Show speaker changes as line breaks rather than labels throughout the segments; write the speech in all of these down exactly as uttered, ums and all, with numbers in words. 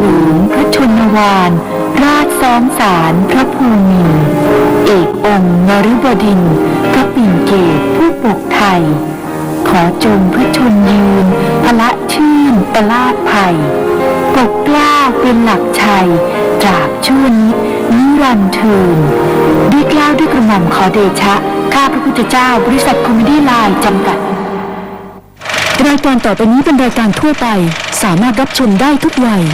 วงพระชนวาลราชซ้อมสารพระภูมินทร์เอกองค์นฤบดินทร์พระปิ่นเกตผู้ปกไทยขอจงพระชนยืนพละชื่นประลาดภัยปกเกล้าเป็นหลักชัยตราบชั่วนิจนิรันดร์เทินด้วยเกล้าด้วยกระหม่อมขอเดชะข้าพระพุทธเจ้าบริษัทคอมเมดี้ไลน์จำกัดรายการต่อไปนี้เป็นรายการทั่วไปสามารถรับชมได้ทุกวัย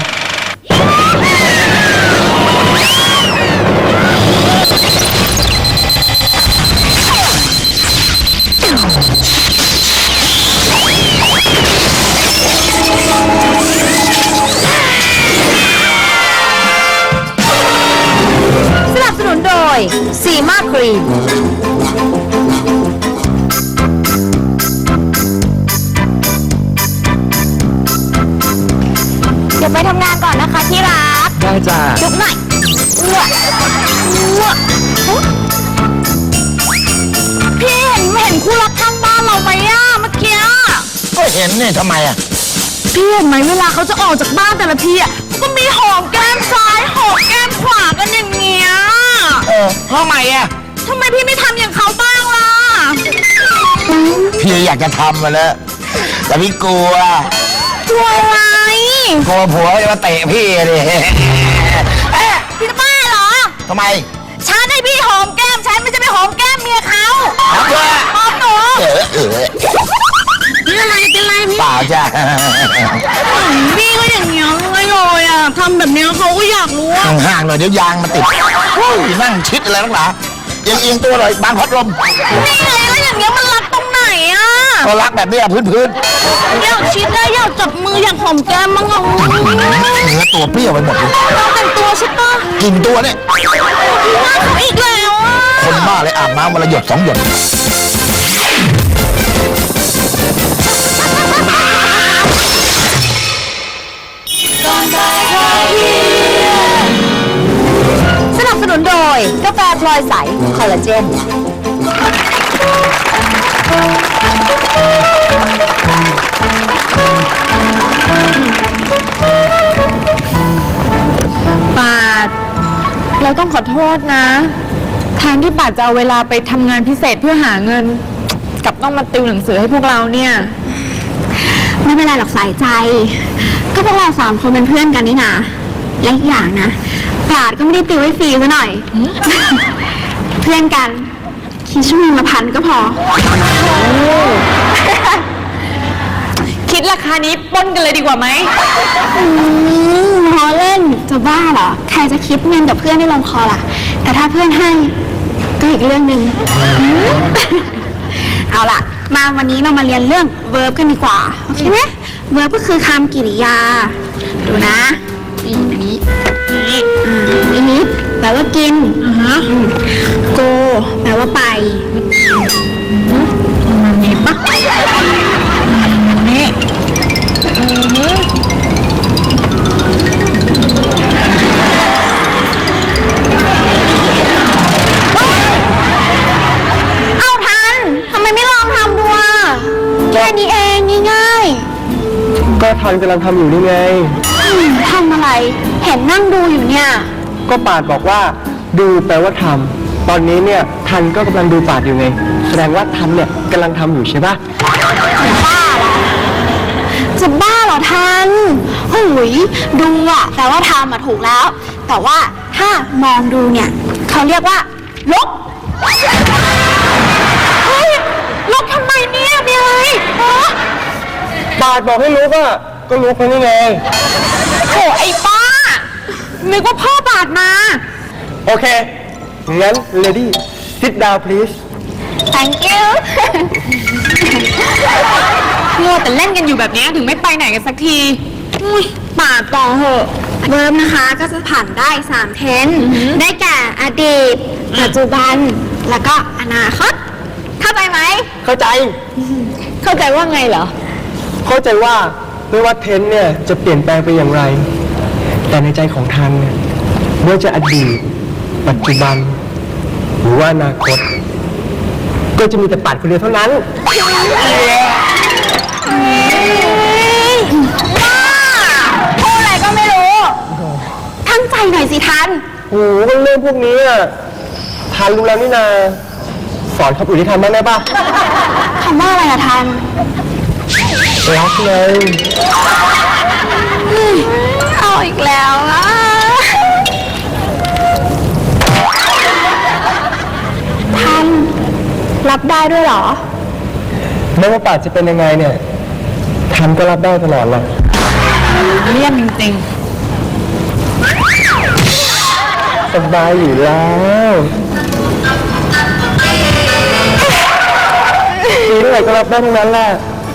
สนับสนุนโดยซีมาครีมเดี๋ยวไปทำงานก่อนนะคะที่รักได้จ้าจุ๊บหน่อยอ้วกอ้วกพี่เห็นเห็นคู่รักข้างบ้านเราไหมอะเมื่อกี้
ก็เห็นเนี่ยทำไมอะ
พี่เห็นไหมเวลาเขาจะออกจากบ้านแต่ละทีอะก็มีหอมแก้มซ้ายหอมแก้มขวากันอย่างเงี้ย
เออทำไมอะ
ทำไมพี่ไม่ทำอย่างเขาบ้างล่ะ
พี่อยากจะทำมาแล้วแต่พี่กลัว
กลัวอะไร
กลัวผัวจะมาเตะพี่เลย
พี่จะบ้าเหรอ
ทำไม
ฉันให้พี่หอมแก้มฉันไม่ใช่ไปหอมแก้มเมียเขา
หอมเลย
หอมหนู
เออเออ
เป็นอะไรเป็นอะไรพี่
เปล่าจ้ะ
พี่ก็อย่างเงี้ยเลยเลยอ่ะทำแบบนี้เขาก็อยากรู้ว่า
ห่างๆหน่อยเดี๋ยวยางมาติดนั่งชิดอะไรนักหนายังเอียงตัวเลยบางพัดลม
นี่ไงแล้วอย่างเงี้ยมันรักตรงไหนอ่ะ
ก็รักแบบนี้พื้นพื้น
อยากชิดได้อยากจับมืออยากหอมแก้มมั้งอ่ะ
เนื้อตัวเปรี้ยวไปหมดเลย
แต่งตัวใช่ปะ
กินตัวเนี่ย
น่าเขาอีกแล้วอ่ะ
คนบ้าเลยอาบน้ำวันละหยดสองหยด
สนับสนุนโดยกาแฟพลอยใสคอลลาเจนปาดเราต้องขอโทษนะแทนที่ปาดจะเอาเวลาไปทำงานพิเศษเพื่อหาเงินกับต้องมาติวหนังสือให้พวกเราเนี่ยไม่เป็นไรหรอกสายใจก็พวกเราสามคนเป็นเพื่อนกันนี่นะและอีกอย่างนะปาดก็ไม่ได้ติวให้ฟรีซะหน่อยเพื่อนกันคิดชั่วโมงละพันก็พอคิดราคานี้ปนกันเลยดีกว่าไหมพอเล่นจะบ้าเหรอใครจะคิดเงินกับเพื่อนได้ลงคอล่ะแต่ถ้าเพื่อนให้ก็อีกเรื่องหนึ่งเอาล่ะมาวันนี้เรามาเรียนเรื่อง verb กันดีกว่าโอเคไหม verb ก็คือคำกริยาดูนะนี่อันนี้นี่อ่านิดแปลว่ากินอ่าฮะ go แปลว่าไปมันมีปะนี่อือฮึเอาทันทำไมไม่ลองทำดูอ่ะแค่นี้เองง่ายๆ
ก็ทันกำลังทำอยู่นี่ไง
ทำอะไรเห็นนั่งดูอยู่เนี่ย
ก็ปาดบอกว่าดูแปลว่าทำตอนนี้เนี่ยทันก็กำลังดูปาดอยู่ไงแสดงว่าทันเนี่ยกำลังทำอยู่ใช่ปะ
จะบ้าเหรอจะบ้าเหรอทันหุยดูอะแปลว่าทำอะถูกแล้วแต่ว่าถ้ามองดูเนี่ยเขาเรียกว่าลบเฮ้ยลบทำไมเนี่ยมีอะไร
ปาดบอกให้รู้ก็ก็รู้คนนี้ไง
โอ้ไอ้ป้านึกว่าพ่อบาดมา
โอเคงั้น lady sit down please
thank you งัวแต่เล่นกันอยู่แบบนี้ถึงไม่ไปไหนกันสักทีปาดต่อเหอะเวิร์บนะคะก็จะผ่านได้สามเทนได้แก่อดีตปัจจุบันแล้วก็อนาคตเข้าใจไหม
เข้าใจ
เข้าใจว่าไงเหรอ
เข้าใจว่าไม่ว่าเทนเนี่ยจะเปลี่ยนแปลงไปอย่างไรแต่ในใจของทันเนี่ยไม่ว่าจะอดีตปัจจุบันหรือว่าอนาคตก็จะมีแต่ปัดคนเดียวเท่านั้น
พูดอะไรก็ไม่รู้ทัน
โอ้โหเรื่องพวกนี้อะทันรู้แล้วนี่นา สอนคำอื่นที่ทันบ้างได้ปะ
คำว่าอะไรอะทัน
รักเลย
เอาอีกแล้วอะทัน รับได้ด้วยเหรอ
ไม่ว่าป่าจะเป็นยังไงเนี่ย ทันก็รับได้ตลอดหรอก
เลี่ยมจริง
สบายอยู่แล้วมีเท่าไหร่ก็รับได้ทั้งนั้นแหละ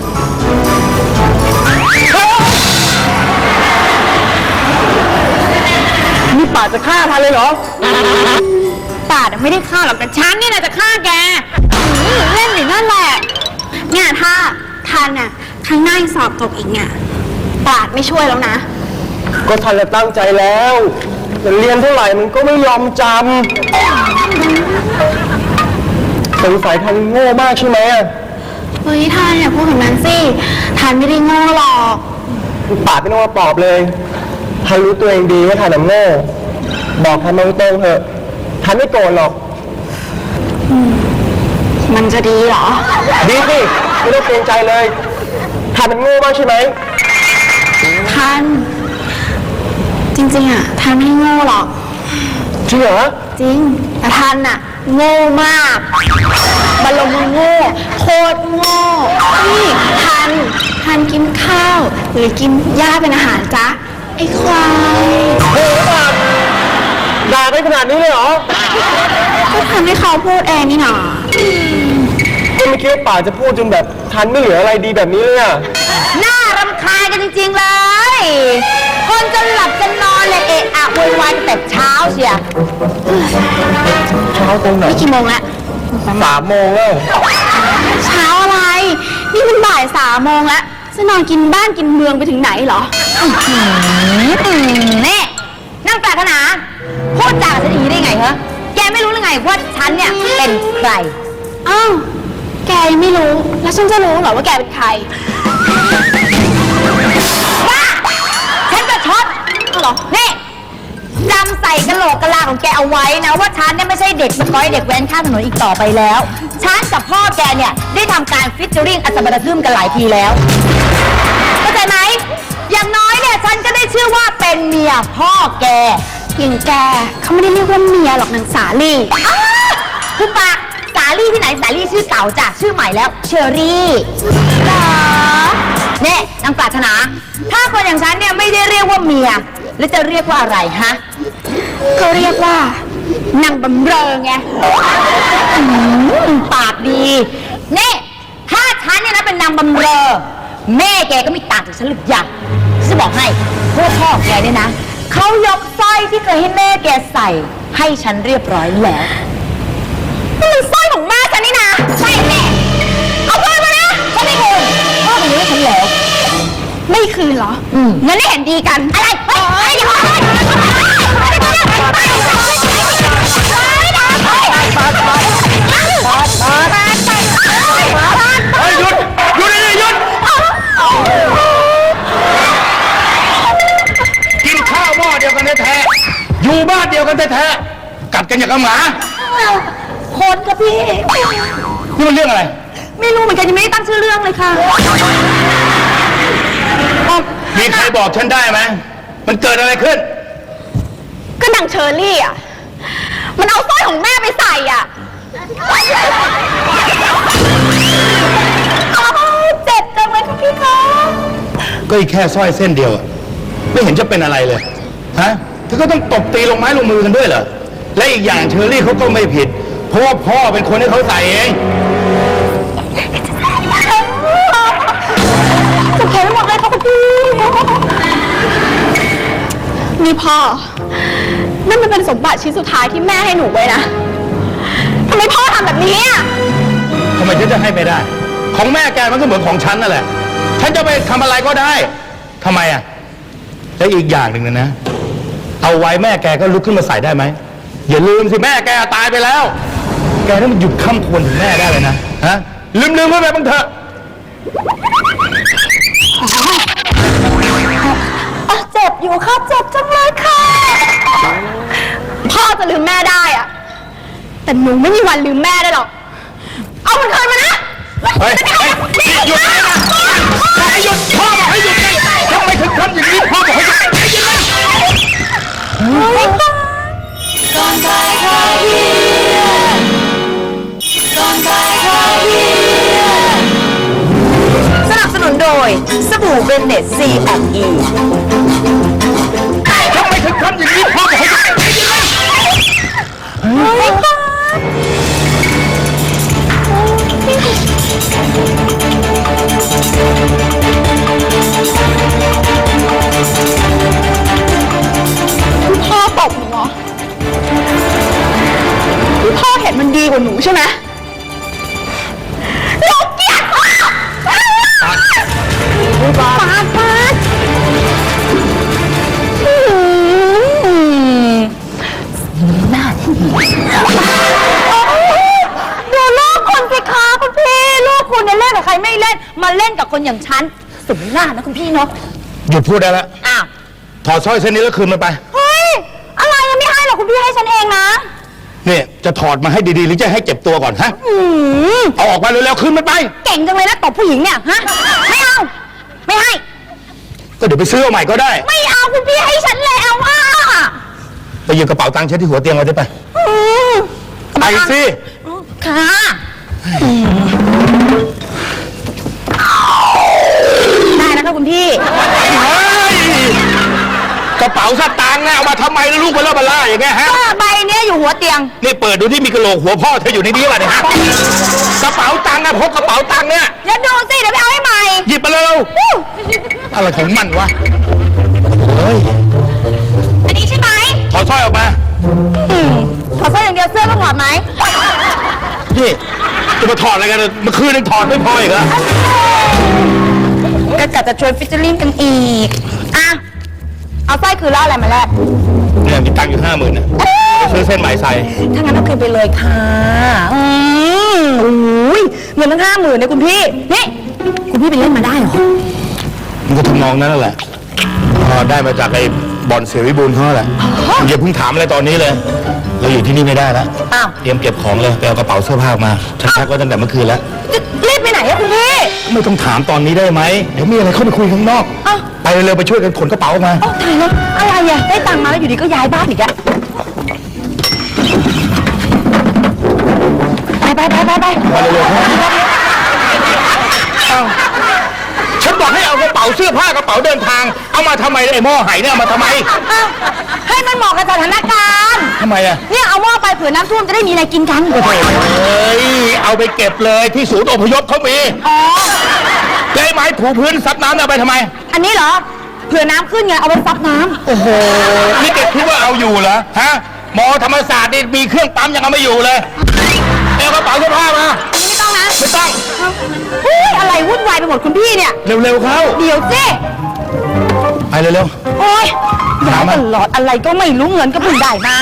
นี่ป่าจะฆ่าทันเลยเหรอ
ๆป่าไม่ได้ฆ่าหรอกแต่ฉันนี่นะจะฆ่าแกอื้อเล่นอยู่นั่นแหละ เนี่ยถ้าทันอะครั้งหน้ายังสอบตกอีกเนี่ยปาดไม่ช่วยแล้วนะ
ก็ทันจะตั้งใจแล้วแต่เรียนเท่าไหร่มันก็ไม่ยอมจำสงสัยทันโง่มากใช่ไหมอะ
เฮ้ยทันอย่าพูดแบบนั้นสิทันไม่ได้โง่หรอก
ป่าไม่ต้องมาปลอบเลยทันรู้ตัวเองดีว่าทันน่ะโง่บอกทันตรงๆเถอะทันไม่โกรธหรอก
มันจะดีเหรอ
ดีสิไม่ต้องเกรงใจเลยทันมันโง่มากใช่ไหม
ทัน จริงๆอะทันไม่ได้โง่หรอก
จริงเหรอ
จริง แต่ทันอะโง่มากบรรลงมือโง่ โคตรโง่นี่ทัน ทันกินข้าว หรือกินหญ้าเป็นอาหารจ๊ะ ไอ้ควาย
โอ้โหป่าด่าได้ขนาดนี้เลยเหรอ
ก็ทันให้เขาพูดเองนี่หนา
ก็ไม่คิดว่าป่าจะพูดจนแบบทันไม่เหลืออะไรดีแบบนี้เลยอะ
น่ารำคาญกันจริงๆเลย คนจะหลับจะนอนเลยเอะอะโวยวายแต่เช้าเชีย
เช้าตรงไหน
นี่กี่โมงละ
สามโมงแล้ว
เช้าอะไร นี่มันบ่ายสามโมงแล้วจะนอนกินบ้านกินเมืองไปถึงไหนเหรอนี่นั่งปรารถนาพูดจากับฉันอย่างนี้ได้ไงเหรอแกไม่รู้หรือไงว่าฉันเนี่ยเป็นใครอ้าวแกยังไม่รู้แล้วฉันจะรู้เหรอว่าแกเป็นใครว้าฉันจะช็อตเหรอนี่จำใส่กระโหลกกระลาของแกเอาไว้นะว่าฉันเนี่ยไม่ใช่เด็กสกอยเด็กแว้นข้ามถนนอีกต่อไปแล้วฉันกับพ่อแกเนี่ยได้ทำการฟิชเจอริ่งอัศบรทึมกันหลายทีแล้วเข้าใจไหมอย่างน้อยเนี่ยฉันก็ได้ชื่อว่าเป็นเมียพ่อแกอย่างแกเขาไม่ได้เรียกว่าเมียหรอกนางสาลี่คือปากสาลี่ที่ไหนสาลี่ชื่อเก่าจ้ะชื่อใหม่แล้วเชอรี่เหรอเนี่ยนางปรารถนาถ้าคนอย่างฉันเนี่ยไม่ได้เรียกว่าเมียแล้วจะเรียกว่าอะไรฮะก็เรียกว่านางบำเรอไงอืมปากดีนี่ถ้าฉันเนี่ยนะเป็นนางบำเรอแม่แกก็ไม่ต่างจากฉันหรอกอย่างฉันจะบอกให้พวกพ่อแกเนี่ยนะเขายกสร้อยที่เคยให้แม่แกใส่ให้ฉันเรียบร้อยแล้วนี่มันสร้อยของแม่ฉันนี่นะใช่แม่เอาคืนมานะฉันไม่คืนพ่อเป็นให้ฉันแล้วไม่คืนเหรออืมงั้นได้เห็นดีกันอะไรเฮ้ยเดี๋ยวเฮ้ย
หยุดหยุดเลยหยุดกินข้าวหม้อเดียวกันแท้ๆอยู่บ้านเดียวกันแท้ๆกัดกันอย่างกับหมา
คนค่ะพี่
นี่มันเรื่องอะไร
ไม่รู้เหมือนกันยังไม่ได้ตั้งชื่อเรื่องเลยค่ะ
มีใครบอกฉันได้ไหมมันเกิดอะไรขึ้น
ก็นางเชอรี่อ่ะ มันเอาสร้อยของแม่ไปใส่อ่ะอ้าวเจ็บจังเลยค่ะพี่คะ
ก็อีกแค่สร้อยเส้นเดียวอะไม่เห็นจะเป็นอะไรเลยฮะเธอก็ต้องตบตีลงไม้ลงมือกันด้วยเหรอและอีกอย่างเชอรี่เขาก็ไม่ผิด เพราะว่าพ่อเป็นคนให้เขาใส่เอง
จะแข็งหมดเลยค่ะคุณพี่นี่พ่อนั่นมันเป็นสมบัติชิ้นสุดท้ายที่แม่ให้หนูไว้นะทำไมพ่อทำแบบนี้อ่ะ
ทำไมฉันจะให้ไม่ได้ ของแม่แกมันก็เหมือนของฉันนั่นแหละฉันจะไปทำอะไรก็ได้ทำไมอ่ะและอีกอย่างหนึ่งนะนะเอาไว้แม่แกก็ลุกขึ้นมาใส่ได้ไหมอย่าลืมสิแม่แกตายไปแล้วแกต้องหยุดข้ามควรถึงแม่ได้เลยนะฮะลืมลืมไว้ไปบ้างเถอะ
เจ็บอยู่ค่ะเจ็บจังเลยค่ะจะลืมแม่ได้อะแต่หนูไม่มีวันลืมแม่ได้หรอก เอามันคืนมานะ
เฮ้ยเฮ้ยหยุดนะให้หยุดพ่อบอกให้หยุดไงทำไมถึงทำอย่างนี้พ่อบอกให้หยุดให้หยุดนะ
สนับสนุนโดยสบู่เบนเน็ต ซี แอนด์ อี
ทำไมถึงทำอย่างนี้พ่อบอกให้หยุดให้หยุดนะ
คุณพ่อตบหนูเหรอคุณพ่อเห็นมันดีกว่าหนูใช่ไหมหนูเกลียดพ่อปาดปาดปาดหน้าที่ดูลูกคนสิคะคุณพี่ลูกคุณเนี่ยเล่นกับใครไม่เล่นมาเล่นกับคนอย่างฉันสมหน้านะคุณพี่เนาะ
หยุดพูดได้แล้ว
อ้าว
ถอดสร้อยเส้นนี้แล้วคืนมันไป
เฮ้ย อะไรยังไม่ให้หรอกคุณพี่ให้ฉันเองนะ
เนี่ยจะถอดมาให้ดีๆหรือจะให้เจ็บตัวก่อนฮะ
อืม
เอาออกมาเร็วๆคืนมันไป
เก่งจังเลยนะตบผู้หญิงเนี่ยฮะ ไม่เอา ไม่ให้
ก็เดี๋ยวไปซื้อเอาใหม่ก็ได้
ไม่เอาคุณพี่ให้ฉันแล้วอ่ะ
ไปหยิบกระเป๋าตังค์เช็ดที่หัวเตียงไว้ได้ไป
อืม
ไปสิ
ค่ะได้นะคะคุณพี่
เฮ้ยกระเป๋าสตางค์เนี่ยเอามาทำไมแล้วลูกเบลอเบล่าอย่างเงี้ยฮะ
ก็ใบเนี้ยอยู่หัวเตียง
นี่เปิดดูที่มีกระโหลกหัวพ่อเธออยู่ในนี้ป่ะเนี่ยฮะ กระเป๋าตังค์นะพกกระเป๋าตังค์เนี่ย
เดี๋ยวดูสิ เดี๋ยวไปเอาให้ใหม่
หยิบมาเร็ว
อู้
อะไรของมันวะ เฮ้ย
อันนี้ใช่ไหม
ถอดสร้อยออกมา
อืมถอดเสื้ออย่างเดียวเสื้อต้องถอดไหม
นี่จะมาถอดอะไรกันเมื่อคืนนึงถอดไม่พออีกเหรอ
ก็กะจะชวนฟิชเชอร์ลิงกันอีก อ่ะ เอาสร้อยคืนแล้วอะไรมาแลก
เนี่ยมีตังค์อยู่ห้าหมื่นเนี่ยซื้อเส้นไหมใส่
ถ้างั้นเอาคืนไปเลยค่ะ อืมโอ้ยเงินตั้งห้าหมื่นเนี่ยคุณพี่ นี่ คุณพี่ไปเล่นมาได้เหรอ
มันก็ทำนองนั้นแหละพอได้มาจากไอ้บอลเสียวิบูลย์เขาแหละอย่าเพิ่งถามอะไรตอนนี้เลย เราอยู่ที่นี่ไม่ได้แล้ว
อ้าว
เตรียมเก็บของเลยไปเอากระเป๋าเสื้อผ้ามาฉันแพ็คไว้ตั้งแต่เมื่อคืนแล้ว
จะรีบไปไหนอะคุณพี่
ไม่ต้องถามตอนนี้ได้ไหมเดี๋ยวมีอะไรเข้าไปคุยข้างนอก
อ้าว
ไปเร็วๆไปช่วยกันขนกระเป๋าออกมา
โอ้ตายแล้วอะไรอะได้ตังค์มาแล้วอยู่ดีก็ย้ายบ้านอีกอะไปไปไปไปไป
มาเร็วๆครับเอ้าฉันบอกให้เอากระเป๋าเสื้อผ้ากระเป๋าเดินทาง เอามาทำไมไอ้หม้อไหเนี่ยเอามาทำไม
อ้าวให้มันเหมาะกับสถานการณ์
ทำไมอะ
เนี่ยเอาหม้อไปเผื่อน้ำท่วมจะได้มีอะไรกินกัน
เฮ้ยเอาไปเก็บเลยที่ศูนย์อพยพเขามี
อ๋อ
แล้วไอ้ไม้ถูพื้นซับน้ำเอาไปทำไม
อันนี้เหรอ เผื่อน้ำขึ้นไง เอาไว้ซับน้ำ
โอ้โห นี่เด็กคิดว่าเอาอยู่เหรอ ฮะ หมอธรรมศาสตร์นี่มีเครื่องปั๊มยังเอาไม่อยู่เลย เอากระเป๋าเสื้อผ้ามา
อันนี้ไม่ต้องนะ
ไม่ต้อง
เฮ้ยอะไรวุ่นวายไปหมดคุณพี่เนี่ย
เร็วๆเข้า
เดี๋ยวสิ
ไปเร็ว
โอ๊ยย้ายตลอดอะไรก็ไม่รู้เงินก็เพิ่งได้มา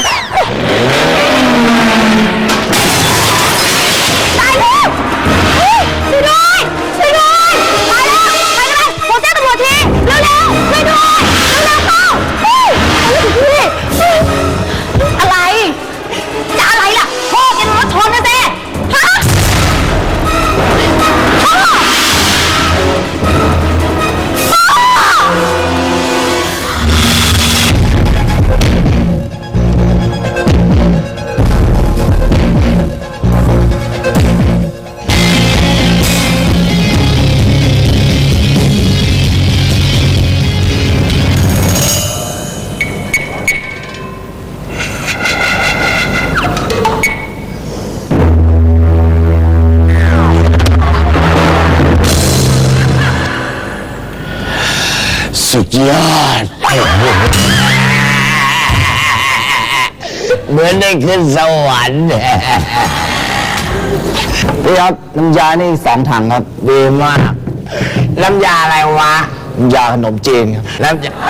ตายแล้วเฮ้ยช่วยด้วยช่วยด้วยตายแล้วไปเลยโทรแจ้งตำรวจทีเร็วๆช่วยด้วยเร็วๆเข้าเฮ้ยอะไรพี่อะไร จะอะไรล่ะพ่อแกโดนรถชนนะเซ่ฮะพ่อ
สุดยอด
เหมือนได้ขึ้นสวรรค์พี่ครับน้ำยานี่สองถังครับดีมาก น้ำยาอะไรวะน้ำยาขนมจีนครับน้ำยา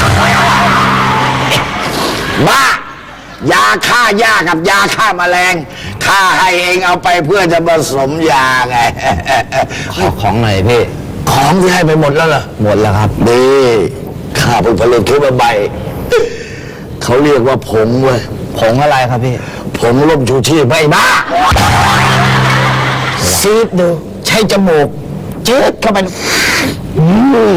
บ้ายาฆ่าหญ้ากับยาฆ่าแมลงข้าให้เองเอาไปเพื่อจะผสมยาไงขอของหน่อยพี่ ของที่ให้ไปหมดแล้วเหรอหมดแล้วครับดีข้าเพิ่งผลิตขึ้นมาใบเขาเรียกว่าผงเว้ยผงอะไรครับพี่ ผงลมชูชีพไม่บ้าซีดดูใช้จมูกจืดเข้าไปอืม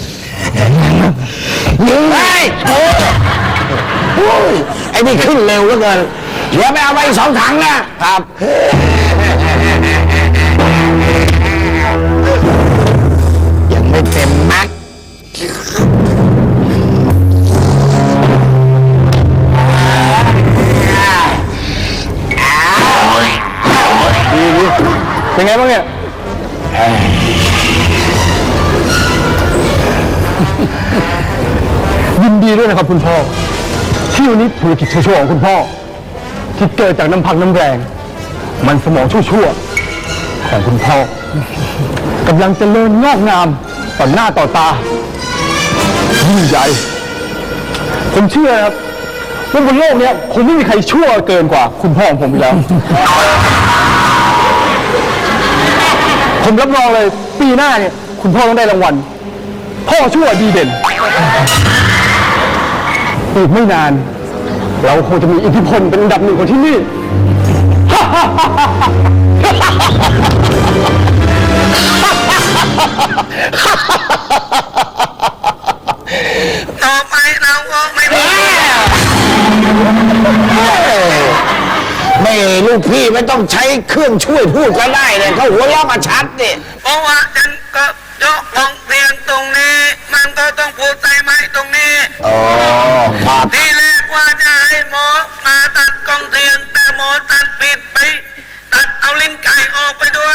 เฮ้ยโอ้โอ้ยไอ้นี่ขึ้นเร็วเหลือเกินเดี๋ยวไปเอาไปอีกสองถังนะครับ ยังไม่เต็มแม็กซ์
เป็นไงบ้างเนี่ย ยินดีด้วยนะครับคุณพ่อ ที่วันนี้ธุรกิจชั่วๆของคุณพ่อ ที่เกิดจากน้ำพักน้ำแรง มันสมองชั่วๆของคุณพ่อกำลังเจริญงอกงามต่อหน้าต่อตายิ่งใหญ่ผมเชื่อครับว่าบนโลกนี้คงไม่มีใครชั่วเกินกว่าคุณพ่อของผมอีกแล้ว ผมรับรองเลยปีหน้าเนี่ยคุณพ่อต้องได้รางวัลพ่อชั่วดีเด่นอีกไม่นาน เราคงจะมีอิทธิพลเป็นอันดับหนึ่งของที่นี่
ต่อไปเราก็ไม่มีไม่ลูกพี่ไม่ต้องใช้เครื่องช่วยพูดก็ได้เลยเขาหัวเราะมาชัดนี่เพราะว่าฉันก็ยกมองเรียนตรงนี้มันก็ต้องพูดใส่ไม้ตรงนี้อ๋อครับที่แรกว่าจะให้หมอมาตัดกองเทียนแต่หมอตัดผิดไปตัดเอาลิ้นไก่ออกไปด้วย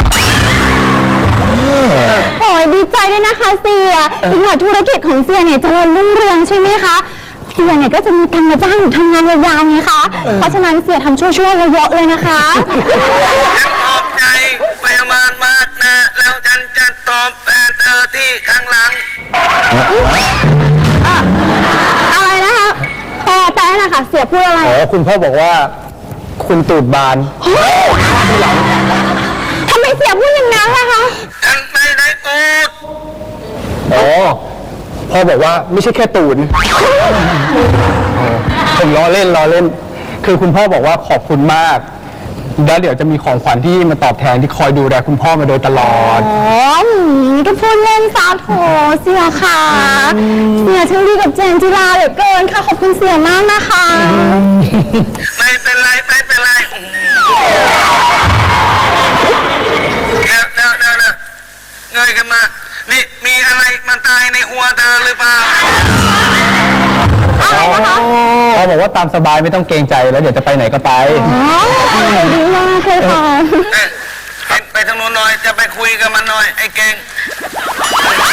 โอ้ยดีใจด้วยนะคะเสียอีกหน่อยธุรกิจของเสียเนี่ยเจริญรุ่งเรืองใช่ไหมคะเสียเนี่ยก็จะมีตังค์มาจ้างหนูทำงานยาวๆไงคะเพราะฉะนั้นเสียทำชั่วๆเยอะๆเลยนะคะ
ฉันขอบใจไปมากมากนะแล้วฉันจะตอบแทนเธอที่ข้างหลัง
อะไรนะคะแต่แต่นะคะเสียพูดอะไร
อ๋อคุณพ่อบอกว่าคุณตูดบาน
ทำไมเสียพูดอย่างนั้นล่ะคะ
ฉันไม่ได้พูด
อ๋อพ่อบอกว่าไม่ใช่แค่ตูดผมล้อเล่นล้อเล่น คือคุณพ่อบอกว่าขอบคุณมากแล้วเดี๋ยวจะมีของขวัญที่มาตอบแทนที่คอยดูแลคุณพ่อมาโดยตลอด
อ๋อหืมก็พูดเล่นซะโถเสียค่ะเสียช่างดีกับเจนจิราเหลือเกินค่ะขอบคุณเสียมากนะคะ
ไม่เป็นไรไม่เป็นไรเดี๋ยวเดี๋ยวเดี๋ยวเดี๋ยวเงยขึ้นมานี่มีอะไรมันตายในหัวเธอหรือเปล่า
พ่อบอกว่าตามสบายไม่ต้องเกรงใจแล้วเดี๋ยวจะไปไหนก็ไป
อ๋อดีมากเลยค่ะ
เอ๊ะไปไปทางโน้นหน่อยจะไปคุยกับมันหน่อยไอ้เก่ง